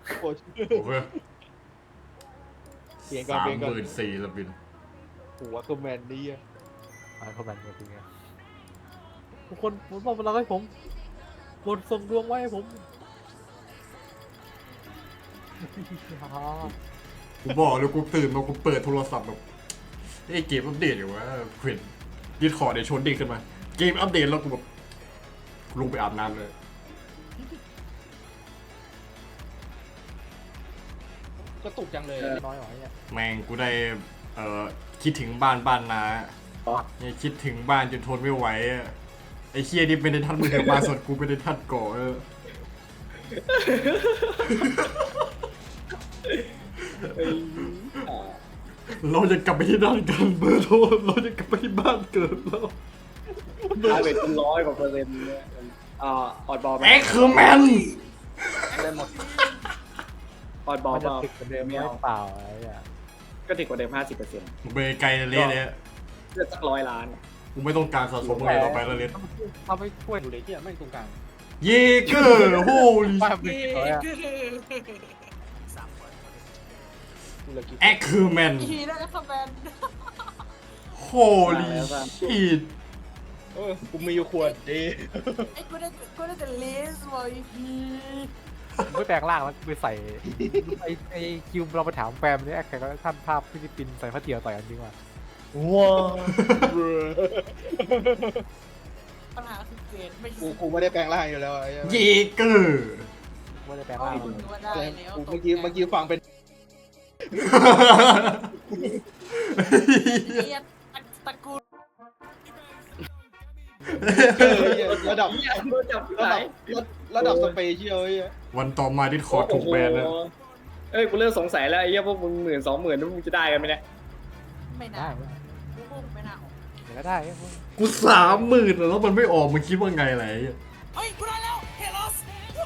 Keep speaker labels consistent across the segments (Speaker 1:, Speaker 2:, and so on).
Speaker 1: โอ้
Speaker 2: โอเค
Speaker 1: เปลี่ยนก่อนเปลี่ยนก่อน
Speaker 2: 34,000สปิน
Speaker 1: หัวคือแมนนี่อะ
Speaker 3: เขาแบนจริงไงทุกคนผมบอกพลังให้ผมบนส่งดวงไว้ให้ผม
Speaker 2: กูบอกเลยกูตื่นมากูเปิดโทรศัพท์แบบไอ้เกมอัปเดตอยู่วะเห็นดิสคอร์ดเนี่ยชนเด้งขึ้นมาเกมอัปเดตแล้วกูแบบลงไปอาบน้ำเลย
Speaker 1: ก็ตุกจังเลย
Speaker 3: น้อยหน่อยเนี่ย
Speaker 2: แม่งกูได้คิดถึงบ้านนาเนี่ยคิดถึงบ้านจนทนไม่ไหวอะไอ้เคียนี่เป็นในทัดมือถือมาสดกูเป็นในทัดก่อเราจะกลับไปที่ด้านกันเบอร์โทรเราจะกลับไปที่บ้านเกิดแล้ว
Speaker 4: อาเวทเป็น100%เนี่ยออดบอล
Speaker 2: แอ็กคือแมน
Speaker 4: ได้หมดออดบอล
Speaker 3: มันจะ
Speaker 4: เปล่า
Speaker 3: ติดกันเดิมไม่เปล่าอะไรอ่ะ
Speaker 4: ก็ถึงกว่าเดิม 50%
Speaker 2: เบย์ไกลเลยเนี่ย
Speaker 4: เลือดสัก100 ล้าน
Speaker 2: กูไม่ต้องการสะสมอะไรต่อไปแล้วเลย
Speaker 3: ทำให้ช่วย
Speaker 1: อยู่เลยที่ไม่ตรงกลาง
Speaker 2: เยเกอร์โฮลิ
Speaker 3: ป้าเป็นร้อยอ่ะ
Speaker 1: กูเลยกิน
Speaker 2: แอ็กคือแมน
Speaker 5: ทีได้คอมเมนต์
Speaker 2: โฮลิชิต
Speaker 1: กูมีอยู่ขวดดี
Speaker 5: ไอ้กูได้แต่ลิสต์ไว้พี
Speaker 3: ไม่แปลงร่างแล้วไปใส่ไอ้คิวเราไปถามแฟมนี่แข่งก็ท่านภาพฟิลิปปินส์ใส่ผ้าเตี่ยวต่อยกันจริงว่ะ
Speaker 1: ว้า
Speaker 5: ปัญหาคือเกณฑ์ไม่
Speaker 1: กูไม่ได้แปลงร่างอยู่แล้วไอ้
Speaker 2: เยเกอร์
Speaker 3: ไม่ได้แปลง
Speaker 5: ก็
Speaker 3: ร่าง
Speaker 5: คุณว่าได้
Speaker 1: อะไร
Speaker 5: แล้ว
Speaker 1: เมื่อกี้ฟังเป็น
Speaker 5: เรียนตระกูล
Speaker 1: ระดับ
Speaker 4: จับ
Speaker 1: ระ
Speaker 4: ไหน
Speaker 1: ดับระดับสเปเชียลไอ้
Speaker 2: วันต่อมาดิสคอร์ดถูกแบนแล้ว
Speaker 4: เอ้ยกูเริ่มสงสัยแล้วไอ้เหี้ยพวกมึง10,000-20,000นั่นมึงจะได้กันไหมเนี่ย
Speaker 5: ไม่
Speaker 3: ได้
Speaker 5: น่ากูคงไม่น่าออก
Speaker 3: เดี๋ยวก็ได้
Speaker 2: กู30,000แล้วมันไม่ออกมึงคิดว่าไงไร
Speaker 5: เฮ้ยกูได้แล้วเฮลอส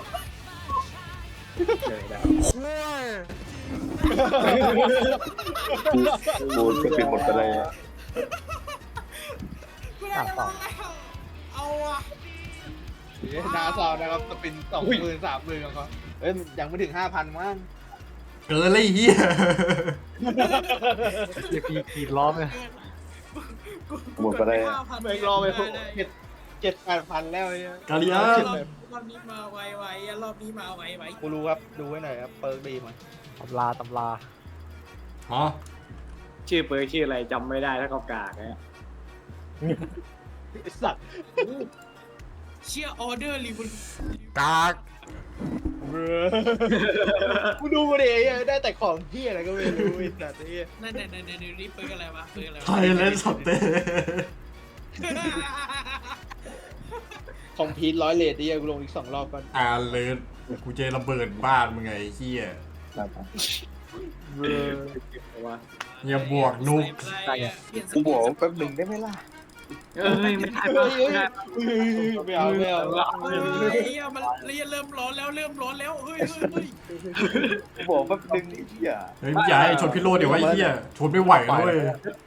Speaker 6: กูจะปิดหมดไปเลย
Speaker 5: กูได้แล้วเอาอะ
Speaker 1: นาซาวนะครับสปิน20,000-30,000ของเขายังไม่ถึง 5,000มั้ง
Speaker 2: เกินเลยเฮีย
Speaker 3: เดี๋ยวปีล้อมเลย
Speaker 6: หมดไปเลย
Speaker 1: แม่งรอไปพวก7-8,000แล้วไอ้
Speaker 2: กาลิอา
Speaker 5: รอบนี้มาไวรอบนี้มาไว
Speaker 1: กูรู้ครับดูไว้หน่อยครับเปิร์กดีมั้ย
Speaker 3: ตำรา
Speaker 2: ฮะ
Speaker 4: ชื่อเปิร์กชื่ออะไรจำไม่ได้ถ้ากากากเนี่ย
Speaker 1: ไอ้สัตว์
Speaker 5: เชียร์ออเดอร์รีบุล
Speaker 2: กาก
Speaker 1: กูดูมาดิได้แต่ของพี่อะไรก็ไม่รู้ไอ้สัตว์ไอ้
Speaker 5: นั่นนี่เปิร์กอะไรวะเปิร์กอะไรวะ
Speaker 2: ไทยแลนด์สเตย์
Speaker 1: ของพีท100 เลทดิกูลงอีก2 รอบก่อน
Speaker 2: อาเลิร์กูจะระเบิดบ้านมึงไงเฮีย
Speaker 4: ว่า
Speaker 2: อย่าบวกนุก
Speaker 6: กูบอกแป๊บหนึ่งได้ไหมล่ะ
Speaker 4: เอ้ยไม่ได้ไม่ได้
Speaker 1: ไม่เอา
Speaker 5: เฮ้ยมันเริ่มร้อนแล้วเฮ้ย
Speaker 6: กูบอกแป๊บหนึ่งไอ้เหี้ย
Speaker 2: เฮ้ยอย่าให้ชนพิโรดเดี๋ยวไอ้เฮียชนไม่ไหวนะเว้ย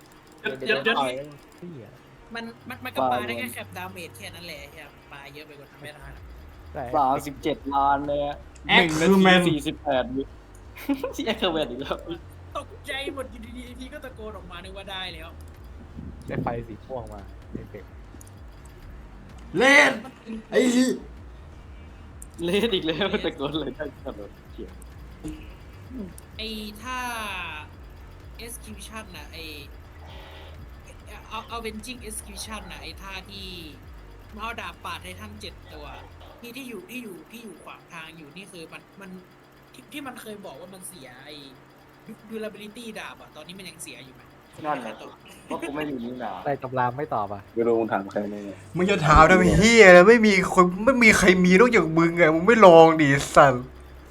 Speaker 5: มันก็ปาได้แค่แคปดาเมจแค่นั้นแหละครับปาเยอะไปกว่านั้นไม่ได้
Speaker 3: ได้
Speaker 4: 37 ล้านเลยอะ
Speaker 2: แอ็กคือแมน
Speaker 4: 48วิที่แอคเคอร์เวทอีกแล้ว
Speaker 5: ตกใจหมดอยู่ดีๆทีก็ตะโกนออกมานึกว่าได้แล้ว
Speaker 3: ได้ไฟสีม่วงมาเอฟเฟกต์
Speaker 2: เล่นไอ้เหี้ย
Speaker 4: เลสอีกแล้วตะโกนเลยได้ขนาดเขียว
Speaker 5: ไอ้ถ้า execution น่ะไอ้avenging execution น่ะไอ้ท่าที่มาเอาดาบปาดให้ท่าน7 ตัวที่อยู่ขวางทางอยู่นี่คือมันที่มันเคยบอกว่ามันเสียไอ้ durability ดาบอ่ะตอนนี้มันยังเสียอยู่ไหม
Speaker 4: นั่นแหละว่ากูไม่มีนี่หนา
Speaker 3: ได้ตำราไม่ตอบอ่ะ
Speaker 6: ไม่รู้มึงถามใครเนี่ย
Speaker 2: มึงจะถามทำไมเฮียเลยไม่มีใครมีนอกจากมึงไงมึงไม่ลองดิสัน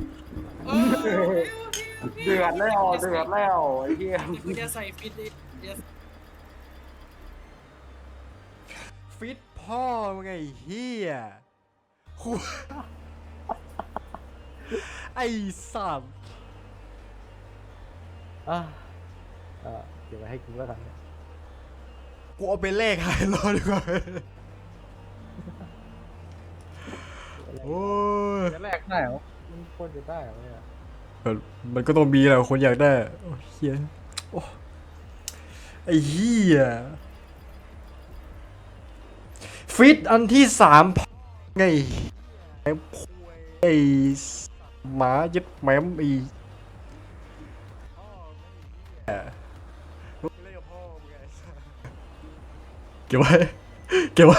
Speaker 4: เดือดแล้วไอ้เหี้ย
Speaker 5: กูจะใส่ฟิตเดี๋ยว
Speaker 2: ฟิตพ่อมึงไงเฮียไอ้สัตว์
Speaker 3: เดี๋ยวไปให้กูแล้วกัน
Speaker 2: กูเอาไปแลกไฮโลดีกว่าโอ้ย
Speaker 3: จะแลกได้เหรอมันควรจะได้เหรอเนี่ย
Speaker 2: มันก็ต้องมีแหละคนอยากได้โอ้เฮียโอ้ไอ้เฮียฟิตอันที่3ไงไอ้หมายึดแหมมไอ้เก็บไว้เก็บไว้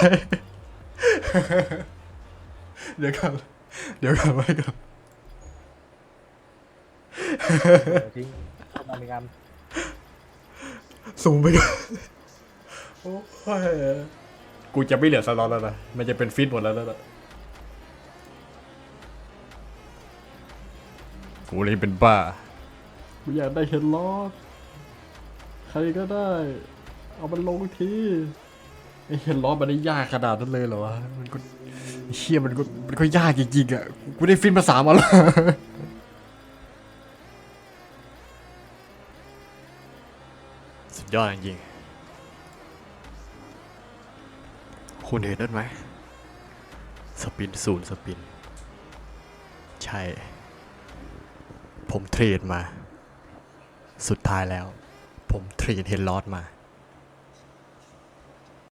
Speaker 2: เดี๋ยวกันไว้ก่อน
Speaker 3: ทิ้งเข้ามาในงาน
Speaker 2: สูงไปก่อนโอ้ยกูจะไม่เหลือสล็อตแล้วนะมันจะเป็นฟิตหมดแล้วนะกูเลยเป็นบ้ากูอยากได้เฮดล็อกใครก็ได้เอามันลงทีไอ้เฮดล็อกมันได้ยากขนาดนั้นเลยเหรอวะมันก็เชี่ยมันก็ยากจริงๆอ่ะกูได้ฟิตมา3 วันแล้วสุดยอดจริงๆคุณเห็นนั่นไหมสปิน0สปินใช่ผมเทรดมาสุดท้ายแล้วผมเทรดเฮดลอสมา